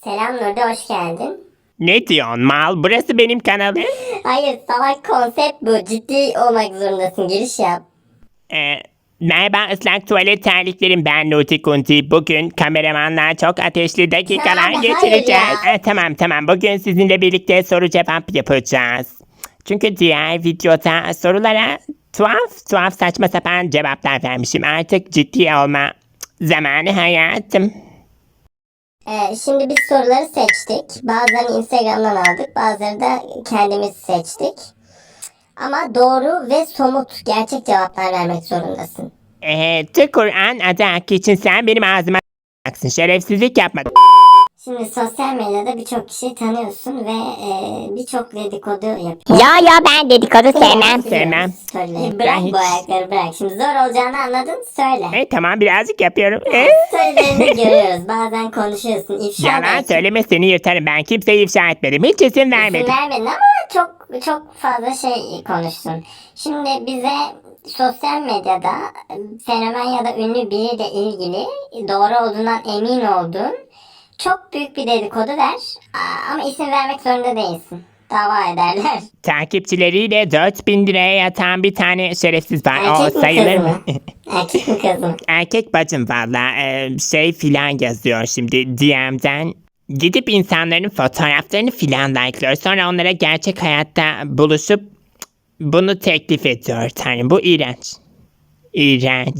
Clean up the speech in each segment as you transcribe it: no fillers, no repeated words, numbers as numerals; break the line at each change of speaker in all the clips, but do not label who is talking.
Selam Nurdi, hoş geldin.
Ne diyorsun mal? Burası benim kanalım.
Hayır, salak konsept bu. Ciddi olmak zorundasın. Giriş yap.
Ee, Merhaba ıslak tuvalet terliklerim, ben Nuti Kunti. Bugün kameramanla çok ateşli dakikalar
Abi,
geçireceğiz.
hayır ya.
Tamam, bugün sizinle birlikte soru cevap yapacağız. Çünkü diğer videoda sorulara tuhaf saçma sapan cevaplar vermişim. Artık ciddi olma zamanı hayatım.
Şimdi biz soruları seçtik. Bazılarını Instagram'dan aldık. Bazıları da kendimiz seçtik. Ama doğru ve somut, gerçek cevaplar vermek zorundasın.
Kur'an adı hakkı için sen benim ağzıma s**acaksın. Şerefsizlik yapma.
Şimdi sosyal medyada birçok kişiyi tanıyorsun ve birçok dedikodu yapıyor.
Ya ben dedikodu sevmem.
Sevmem.
Söyle.
Ben
Bırak
hiç-
bu ayakları bırak. Şimdi zor olacağını anladın, söyle.
Tamam, birazcık yapıyorum.
Sözlerini görüyoruz. Bazen konuşuyorsun. İfşa
Yalan
belki.
söyleme, seni yırtarım. Ben kimseyi ifşa etmedim. Hiç isim vermedim.
İsim vermedin ama çok fazla şey konuştun. Şimdi bize sosyal medyada fenomen ya da ünlü biriyle ilgili doğru olduğundan emin olduğun çok büyük bir dedikodu ver. Ama isim vermek zorunda değilsin. Dava ederler.
Takipçileriyle 4.000 liraya yatan bir tane şerefsiz var.
Erkek
O
mi
sayılır
kız
mı?
mı? Erkek mi kız mı?
Erkek bacım valla şey filan yazıyor şimdi DM'den. Gidip insanların fotoğraflarını filan like'lıyor. Sonra onlara gerçek hayatta buluşup bunu teklif ediyor. Tanrım, bu iğrenç. İğrenç.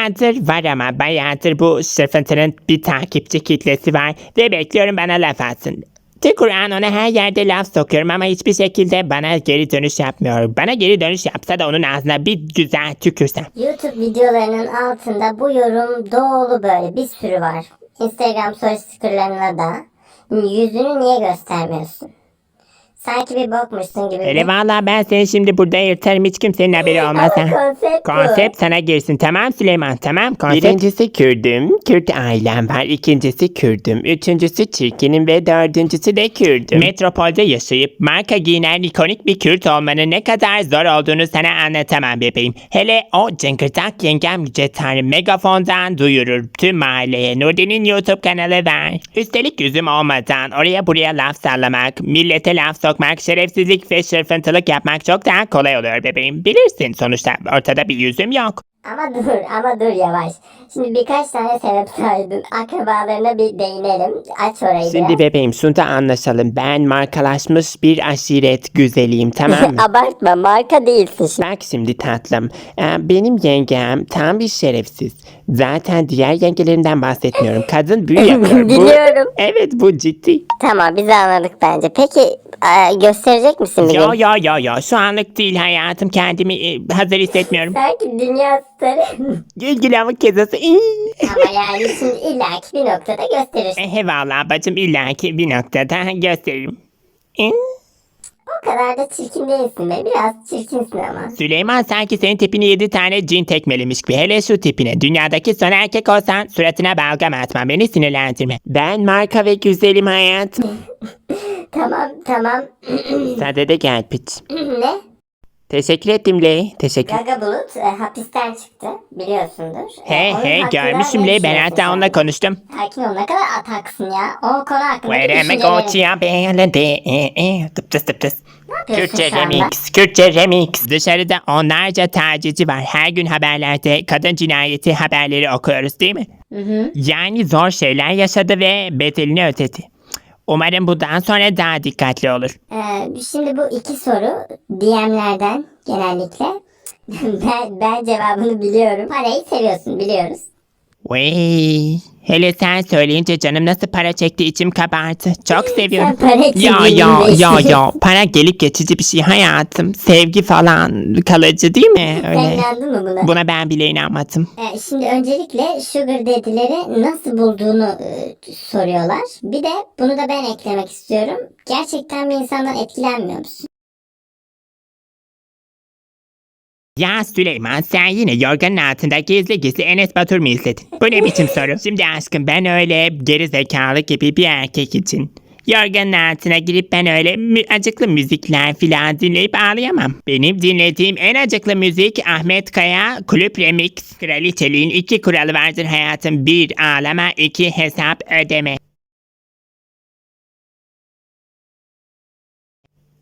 Bayağıdır bu sırfıntının bir takipçi kitlesi var ve bekliyorum bana laf atsın. Kur'an ona her yerde laf sokuyorum ama hiçbir şekilde bana geri dönüş yapmıyor. Bana geri dönüş yapsa da onun ağzına bir güzel tükürsem.
YouTube videolarının altında bu yorum dolu böyle bir sürü var. Instagram story stickerlarına da yüzünü niye göstermiyorsun? Sanki bir bokmuşsun gibi.
Hele valla ben seni şimdi burada yırtarım, hiç kimsenin haberi olmaz.
Ama konsept bu.
Konsept sana girsin, tamam Süleyman, tamam konsept. Birincisi Kürdüm, Kürt ailem var. İkincisi Kürdüm, üçüncüsü çirkinim ve dördüncüsü de Kürdüm. Metropolde yaşayıp marka giyinen ikonik bir Kürt olmanın ne kadar zor olduğunu sana anlatamam bebeğim. Hele o cıngırdak yengem Yüce Tanrı megafondan duyurur tüm mahalleye. Nurdi'nin YouTube kanalı var. Üstelik yüzüm olmadan oraya buraya laf sallamak, millete laf sokmak, şerefsizlik ve şırfıntılık yapmak çok daha kolay oluyor bebeğim. Bilirsin, sonuçta ortada bir yüzüm yok.
Ama dur yavaş. Şimdi birkaç tane sebep saydın. Akrabalarına bir değinelim. Aç orayı
Şimdi
biraz.
bebeğim, şunu da anlaşalım. Ben markalaşmış bir aşiret güzeliyim, tamam mı?
Abartma, marka değilsin şimdi.
Bak şimdi tatlım. Benim yengem tam bir şerefsiz. Zaten diğer yengelerimden bahsetmiyorum. Kadın büyü yapıyor.
Biliyorum.
Evet, bu ciddi.
Tamam, biz anladık bence. Peki gösterecek misin bir gün?
Yo. Şu anlık değil hayatım. Kendimi hazır hissetmiyorum.
Sanki dünya starı.
İlgili ama kezası.
Ama yani şimdi illaki bir noktada gösterirsin.
Eyvallah bacım, illaki bir noktada gösteririm.
O kadar da çirkin değilsin be. Biraz çirkinsin ama.
Süleyman sanki senin tipini 7 tane cin tekmelemiş gibi. Hele şu tipine. Dünyadaki son erkek olsan suratına balgam atma. Beni sinirlendirme. Ben marka ve güzelim hayatım.
Tamam.
Sadede gel piç.
Ne?
Teşekkür ettim Ley. Teşekkür.
Gaga Bulut hapisten çıktı. Biliyorsundur. Onun
He
hakkında
görmüşüm
ne
Ley. Ben
düşünüyorsun
hatta
sen?
onunla konuştum.
Sakin ol, ne kadar ataksın ya. O konu hakkında bir
Vereme
düşüncelerin.
koçya beledi. Tıp tıs.
Ne yapıyorsun
Kürtçe
şu anda?
Kürtçe remix. Dışarıda onlarca tacizci var. Her gün haberlerde kadın cinayeti haberleri okuyoruz değil mi? Yani zor şeyler yaşadı ve bedelini ödedi. Umarım bundan sonra daha dikkatli olur.
Şimdi bu iki soru DM'lerden genellikle. Ben cevabını biliyorum. Parayı seviyorsun, biliyoruz.
Vay. Hele sen söyleyince canım nasıl para çekti, içim kabardı. Çok seviyorum.
Sen para için
Ya. Para gelip geçici bir şey hayatım. Sevgi falan kalıcı değil mi?
Sen
Öyle.
inandın mı buna?
Buna ben bile inanmadım.
Şimdi öncelikle Sugar Daddy'leri nasıl bulduğunu soruyorlar. Bir de bunu da ben eklemek istiyorum. Gerçekten bir insandan etkilenmiyor musun?
Ya Süleyman, sen yine yorganın altında gizli Enes Batur mu izledin? Bu ne biçim soru? Şimdi aşkım, ben öyle geri zekalı gibi bir erkek için yorganın altına girip ben öyle acıklı müzikler filan dinleyip ağlayamam. Benim dinlediğim en acıklı müzik Ahmet Kaya Kulüp Remix. Kraliçeliğin 2 kuralı vardır hayatım. 1 ağlama, 2 hesap ödeme.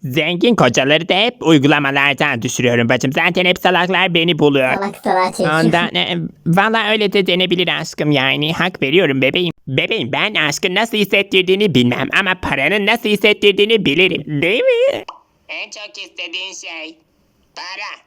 Zengin kocaları da hep uygulamalardan düşürüyorum bacım. Zaten hep salaklar beni buluyor.
Salak salağa çekiyor.
Ondan valla öyle de denebilir aşkım yani. Hak veriyorum bebeğim. Bebeğim ben aşkın nasıl hissettirdiğini bilmem ama paranın nasıl hissettirdiğini bilirim. Değil mi? En çok istediğin şey para.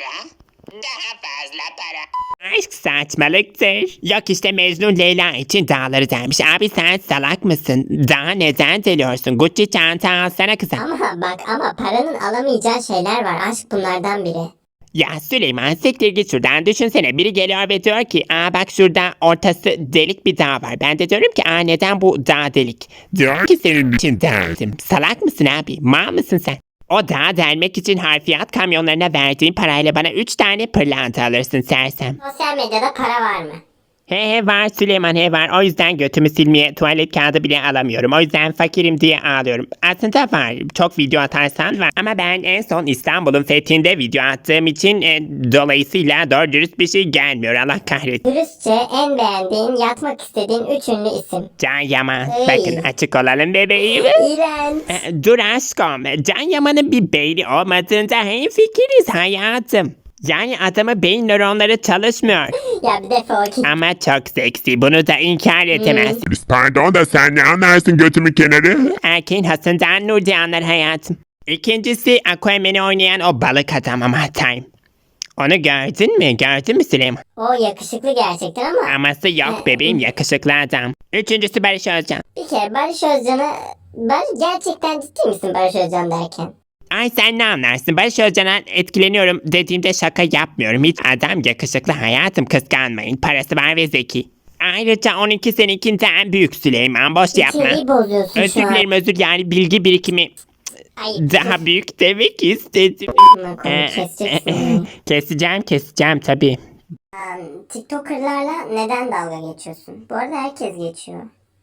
Daha fazla para. Aşk saçmalıktır. Yok işte Mecnun Leyla için dağları dermiş. Abi sen salak mısın? Daha neden deliyorsun? Gucci çanta alsana kıza.
Ama paranın alamayacağı şeyler var. Aşk bunlardan biri.
Ya Süleyman siktir git şuradan. Düşünsene biri geliyor ve diyor ki bak şurada ortası delik bir dağ var. Ben de diyorum ki neden bu dağ delik? Diyor ki senin için deldim. Salak mısın abi? Mal mısın sen? O dağı delmek için harfiyat kamyonlarına verdiğin parayla bana 3 tane pırlanta alırsın sersem.
Sosyal medyada para var mı?
He var Süleyman he var. O yüzden götümü silmeye tuvalet kağıdı bile alamıyorum. O yüzden fakirim diye ağlıyorum. Aslında var. Çok video atarsan var. Ama ben en son İstanbul'un fethinde video attığım için dolayısıyla doğru dürüst bir şey gelmiyor. Allah kahretsin.
Dürüstçe en beğendiğin, yatmak istediğin 3 ünlü isim.
Can Yaman.
Ey.
Bakın açık olalım bebeğim.
İğrenç.
Dur aşkım. Can Yaman'ın bir beyni olmadığında hemfikiriz hayatım. Yani adamı beyin nöronları çalışmıyor.
Ya bir defol git.
Ama çok seksi. Bunu da inkar edemez.
Pardon da sen ne anlarsın götümün kenarı?
Erkeğin hasından Nurdi anlar hayatım. İkincisi Aquaman'i oynayan o balık adam ama time. Onu gördün mü? Gördün mü Süleyman?
O yakışıklı gerçekten ama
Aması yok bebeğim yakışıklı adam. Üçüncüsü Barış Özcan.
bir kere Barış Özcan'ı... Gerçekten ciddi misin Barış Özcan derken?
Ay sen ne anlarsın? Barış Özcan'a etkileniyorum dediğimde şaka yapmıyorum. Hiç adam yakışıklı hayatım kıskanmayın. Parası var ve zeki. Ayrıca 12 senekinden büyük Süleyman boş yapma.
İçeriği bozuyorsun
Özür
şu an.
dilerim özür yani bilgi birikimi
Ay,
daha büyük demek istedim.
Amına koyayım, keseceksin beni.
Keseceğim tabii.
TikToker'larla neden dalga geçiyorsun? Bu arada herkes geçiyor.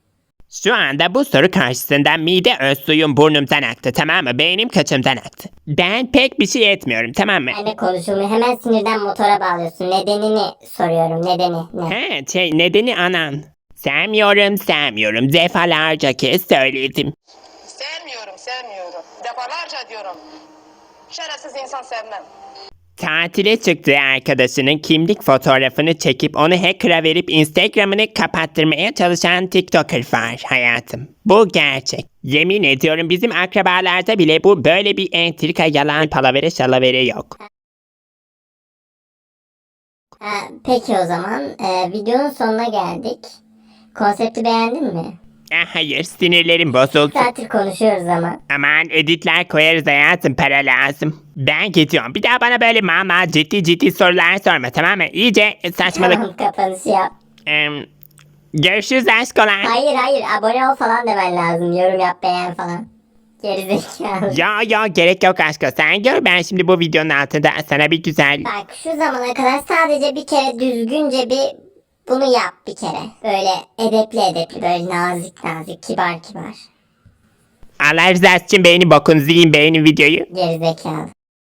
Şu anda bu soru karşısında mide öz suyum burnumdan aktı tamam mı? Beynim kaçımdan aktı. Ben pek bir şey etmiyorum tamam mı?
Benle konuşulmuyor. Hemen sinirden motora bağlıyorsun. Nedenini soruyorum. Nedeni ne?
Nedeni anan. Sevmiyorum. Defalarca kez söyledim.
Sevmiyorum. Defalarca diyorum. Şerefsiz insan sevmem.
Tatile çıktığı arkadaşının kimlik fotoğrafını çekip onu hacker'a verip Instagram'ını kapattırmaya çalışan TikToker var hayatım. Bu gerçek. Yemin ediyorum bizim akrabalarda bile bu böyle bir entrika yalan palavere şalavere yok.
Peki o zaman videonun sonuna geldik. Konsepti beğendin mi?
Hayır sinirlerim bozuldu.
Saattir konuşuyoruz ama.
Aman editler koyarız hayatım para lazım. Ben gidiyorum. Bir daha bana böyle mama ciddi sorular sorma tamam mı? İyice saçmalık.
Tamam kapanışı yap.
Görüşürüz aşkolar.
Hayır abone ol falan demen lazım. Yorum yap beğen falan. Gerizekalı.
Ya gerek yok aşkım. Sen gör ben şimdi bu videonun altında sana bir güzel...
Bak şu zamana kadar sadece bir kere düzgünce bunu yap bir kere. Böyle edepli böyle nazik kibar.
Allah rızası için beğeni bokunuzu yiyin beğenin videoyu.
Gerizekalı.